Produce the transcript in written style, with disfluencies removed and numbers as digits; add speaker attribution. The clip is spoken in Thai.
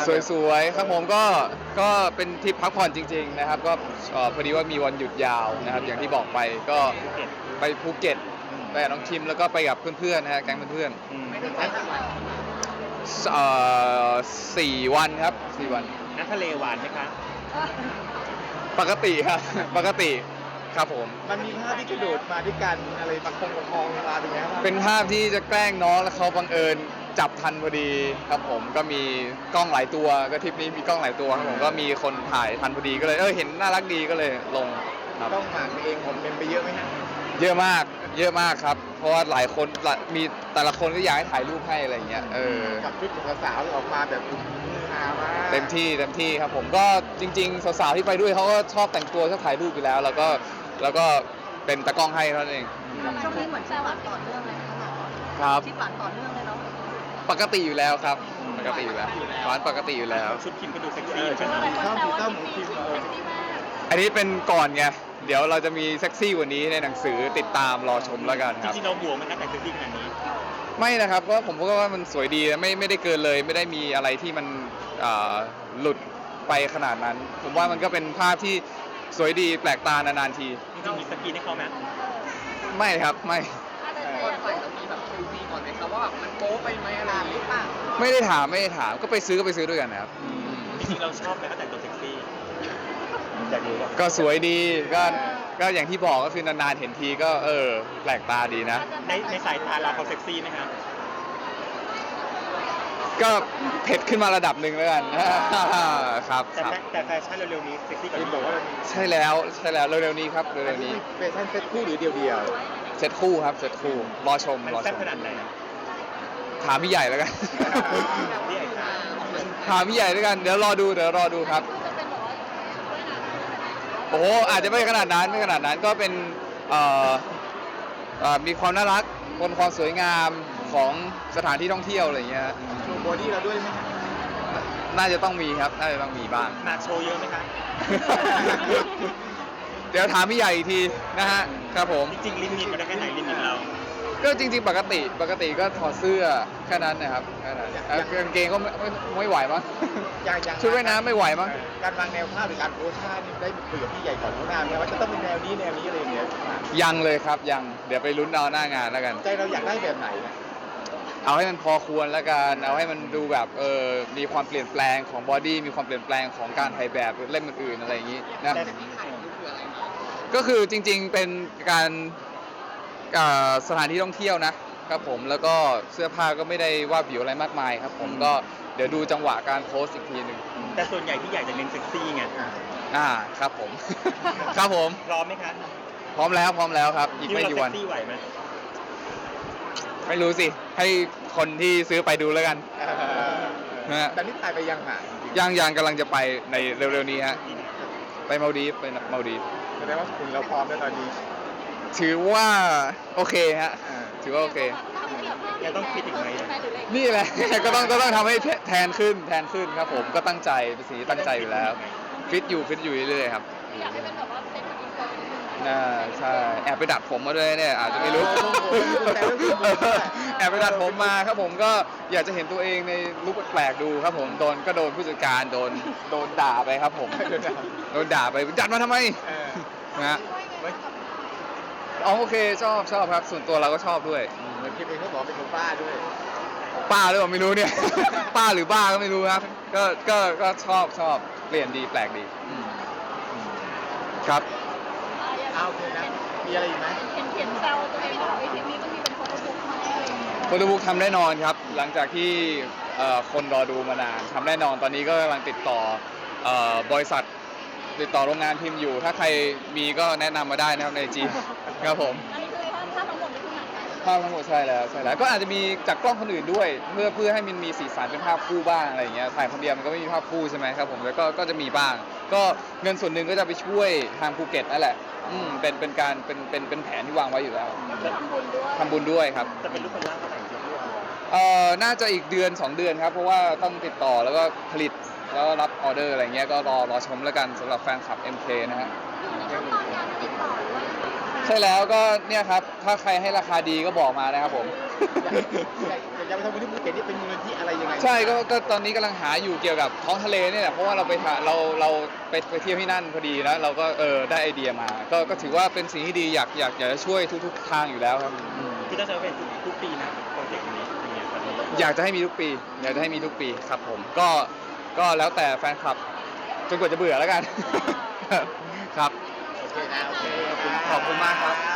Speaker 1: สวยๆครับผมก็เป็นทริปพักผ่อนจริงๆนะครับก็พอดีว่ามีวันหยุดยาวนะครับอย่างที่บอกไปก็ไปภูเก็ตไปกับน้องคิมแล้วก็ไปกับเพื่อนๆนะฮะแก๊งเพื่อนๆ4 วันครับ4 วัน
Speaker 2: น้ำทะเลหวานไหมคะ
Speaker 1: ปกติครับ ปกติครับผม
Speaker 3: มันมีภาพที่กระโดดมาด้วยกันอะไรประคองเวลาเป็นไงครับ
Speaker 1: เป็นภาพที่จะแกล้งน้องแล้วเขาบังเอิญจับทันพอดีครับผมก็มีกล้องหลายตัวก็ทริปนี้มีกล้องหลายตัวครับผมก็มีคนถ่ายทันพอดีก็เลยเห็นน่ารักดีก็เลยลงครับ
Speaker 3: ต้องหมากเองผมเป็นไปเยอะไหมฮะ
Speaker 1: เยอะมากครับ เพราะว่าหลายคนมีแต่ละคนก็อยากให้ถ่ายรูปให้อะไรเงี้ย
Speaker 3: กับชุดของสาวๆออกมาแบบฮามาก
Speaker 1: เต็มที่ครับผมก็จริงๆสาวๆที่ไปด้วยเขาก็ชอบแต่งตัวชอบถ่ายรูปอยู่แล้วแล้วก็เป็นตากล้องให้เท่านั้นเอง
Speaker 4: ช่วงนี้เหมือนจะหวานต่อเนื่องเลยนะคะ
Speaker 1: ครับ
Speaker 4: ที่หวานต่อเนื่องเลยเนาะ
Speaker 1: ปกติอยู่แล้วครับปกติอยู่แล้วหวานปกติอยู่แล้ว
Speaker 2: ชุดคิมก็ดูเซ็กซี่
Speaker 3: ชอบสีเต้าหมูคิม
Speaker 1: อันนี้เป็นก่อนไงเดี๋ยวเราจะมีเซ็กซี่กว่านี้ในหนังสือติดตามรอชมแล้วกัน
Speaker 2: จ
Speaker 1: ครับ
Speaker 2: ริงๆเราห่วงมันนะแต่งเซ็กซี่ขนาดนี้
Speaker 1: ไม่นะครับเพราะผมก็ว่ามันสวยดีไม่ได้เกินเลยไม่ได้มีอะไรที่มันหลุดไปขนาดนั้น ผมว่ามันก็เป็นภาพที่สวยดีแปลกตานานๆที
Speaker 2: จริงๆมีสกินให้เขาไหม
Speaker 1: ไม่ครับไม่
Speaker 4: ก่อนใส่ต้องมีแบบคิวซีก่อนไหมครับว่าแบบมันโป๊ไปไหมอะไรหรือเปล่า
Speaker 1: ไม่ได้ถามก็ไปซื้อด้วยกันนะครับ
Speaker 2: จริงๆเราชอบไหมเขาแต่งตัวเซ็กซี่อยากรู้ว่า
Speaker 1: ก็สวยดีก็อย่างที่บอกก็คือนานๆเห็นทีก็แปลกตาดีนะ
Speaker 2: ในสายตาเราเขาเซ็กซี่ไหมครับ
Speaker 1: ก็เผ็ดขึ้นมาระดับหนึ่งแล้วกัน ครับ
Speaker 2: แต่แฟชั่นเร็วๆนี้เซ็กซี่กว่า
Speaker 3: คิม
Speaker 2: นี้
Speaker 3: บอกว่า
Speaker 1: ใช่แล้วเร็วๆนี้ครับเร็วๆนี้
Speaker 3: แฟชั่นเซ็ตคู่หรือเดียว
Speaker 1: เซตคู่ครับเซตคู่รอชม
Speaker 2: มัน
Speaker 1: รอ
Speaker 2: แซ่
Speaker 1: ช
Speaker 2: บ
Speaker 1: ม
Speaker 2: ขนาดไหนอะ
Speaker 1: ถามพี่ใหญ่แล้วกัน
Speaker 2: พี่ไอ้ค่ะ
Speaker 1: ถามพี่ใหญ่แล้วกันเดี๋ยวรอดูครับ
Speaker 4: จะเป็นแบบว่าด้วยนะ
Speaker 1: โอ้โหอาจจะไม่ขนาดนั้นก็เป็นมีความน่ารักบนความสวยงามของสถานที่ท่องเที่ยวอะไรอย่างเงี้ย
Speaker 3: ๆโชว์บอดี้เราด้วยไหมฮะ
Speaker 1: น่าจะต้องมีครับน่าจะต้องมีบ้าง
Speaker 2: มาโชว์เยอะไหมคะ
Speaker 1: เดี๋ยวถามพี่ใหญ่อีกทีนะฮะครับผม
Speaker 2: จริงๆลิมิตมันได้แค่ไหนลิมิตเรา
Speaker 1: ก็จริงๆปกติก็ถอดเสื้อแค่นั้นนะครับแค่นั้นกางเกงก็ไม่ไหวมั้ง
Speaker 3: อย่าง
Speaker 1: ชุดว่ายน้ำไม่ไหวมั้ง
Speaker 3: การวางแนวภาพหรือการโพสท่านี่ได้คุยกับพี่ใหญ่ก่อนล่วงหน้าไหมว่าจะต้องเป็นแนวนี้อะไรอย่างเงี้ย
Speaker 1: ยังเลยครับยังเดี๋ยวไปลุ้นเอาหน้างานแล้วกัน
Speaker 3: ใจเราอยากได้แบบไหนนะ
Speaker 1: เอาให้มันพอควรแล้วกันเอาให้มันดูแบบมีความเปลี่ยนแปลงของบอดี้มีความเปลี่ยนแปลงของการถ่ายแบบหรือเล่มอื่นๆอะไรอย่างนี้นะ
Speaker 2: แต่
Speaker 1: ก็คือจริงๆเป็นการสถานที่ท่องเที่ยวนะครับผมแล้วก็เสื้อผ้าก็ไม่ได้ว่าบิวอะไรมากมายครับผมก็เดี๋ยวดูจังหวะการโพสต์อีกทีหนึ่ง
Speaker 2: แต่ส่วนใหญ่ที่อยากจะเน้นเซ็กซี่ไง
Speaker 1: ครับผม ครับผม
Speaker 2: พร้อมไหมคะ
Speaker 1: พร้อมแล้วครับอีกไม่กี่วัน
Speaker 2: คิดาเราเซ็กซี่ไหวไหม
Speaker 1: ไม่รู้สิให้คนที่ซื้อไปดูแล้วกัน นะฮะ
Speaker 3: แต่นี่ถ่ายไปยังหาจริง
Speaker 1: ยังกำลังจะไปในเร็วๆนี้ฮะไปมาดีฟไปมาดีฟ
Speaker 3: ๆแสดงว่าคุณเราพร้อมแล้วตอนนี้
Speaker 1: ถือว่าโอเคฮะถือว่าโอเค
Speaker 2: ยังต้องคิดอีกไหม
Speaker 1: นี่แหละ ก็ต้องทำให้แทนขึ้นครับผมก็ตั้งใจเป็นสิ่งที่ตั้งใจอยู่แล้วฟิตอยู่เรื่อยๆครับ
Speaker 4: อยากให้เป็นแบบว่าเป็นแบบอินเตอร์นิดนึง
Speaker 1: ใช่แอบไปดัดผมมาด้วยเนี่ยอาจจะไม่รู้ แอบไปดัดผมมาครับผมก็อยากจะเห็นตัวเองในลุคแปลกๆดูครับผมโดนผู้จัดการโดนด่าไปครับผมโดนด่าไปดัดมาทำไมนะฮะอ๋อโอเคชอบครับส่วนตัวเราก็ชอบด้วย
Speaker 3: เหมือนคิมเองเขาบอกเป็นคนบ้าด้วย
Speaker 1: ป้าหรือเปล่าไม่รู้เนี่ย ป้าหรือบ้าก็ไม่รู้ครับก็ชอบเปลี่ยนดีแปลกดีครับ
Speaker 3: เอาโอเคนะมีอะไรอีกไหม
Speaker 4: เขียนแซวตัวเองว่าไอ้ทีนี้ต้องมีเป็นโฟโต้บุ๊กมาให้อะไรอย่างเงี้ย
Speaker 1: โฟโต้บุ๊กทำแน่นอนครับ หลังจากที่คนรอดูมานานทำแน่นอนตอนนี้ก็กำลังติดต่อบริษัทติดต่อโรงงานพิมพ์อยู่ ถ้าใครมีก็แนะนำมาได้นะครับในจีครับผม
Speaker 4: อันนี้คือภาพทั้งหมดนี่คือหนัง
Speaker 1: ภาพทั้งหมดใช่แล้วก็อาจจะมีจากกล้องคนอื่นด้วยเพื่อให้มันมีสีสันเป็นภาพคู่บ้างอะไรอย่างเงี้ยถ่ายคนเดียวมันก็ไม่มีภาพคู่ใช่ไหมครับผมแล้วก็จะมีบ้าง ก็เงินส่วนหนึ่งก็จะไปช่วยทางภูเก็ตนั่นแหละเป็นการเป็นแผนที่วางไว้อยู่แล้ว
Speaker 4: ทำบุญด้วย
Speaker 1: ทำบุญด้วยครับ
Speaker 2: จะเป็นลูกคนล่างเท่าไหร่จะรู้
Speaker 1: น่าจะอีกเดือน 2 เดือนครับเพราะว่าต้องติดต่อแล้วก็ผลิตแล้วก็รับออเดอร์อะไรเงี้ยก็รอชมแล้วกันสำหรับแฟนคลับ MK นะฮะ
Speaker 4: อยู่ในขั้นตอนการติดต่อหรือว่า
Speaker 1: ใช่แล้วก็เนี่ยครับถ้าใครให้ราคาดีก็บอกมานะครับผม
Speaker 3: อยากไปทำบุญที่ภูเก็ตนี่เป็นมูลนิธิอะไรยังไง
Speaker 1: ใช่ก็ตอนนี้กำลังหาอยู่เกี่ยวกับท้องทะเลเนี่ยแหละเพราะว่าเราเราไปเที่ยวที่นั่นพอดีแล้วเราก็ได้ไอเดียมาก็ถือว่าเป็นสิ่งที่ดีอยากจะช่วยทุกทางอยู่แล้วครับ
Speaker 2: ที่ต้องใช้เป็นทุกปีนะโปรเจกต์นี้อย่างเงี้ยตอนนี้
Speaker 1: อยากจะให้มีทุกปีครับผมก็แล้วแต่แฟนคลับจนกว่าจะเบื่อแล้วกัน ครับ
Speaker 3: โอเคนะโอเค
Speaker 1: ขอบคุณมากครับ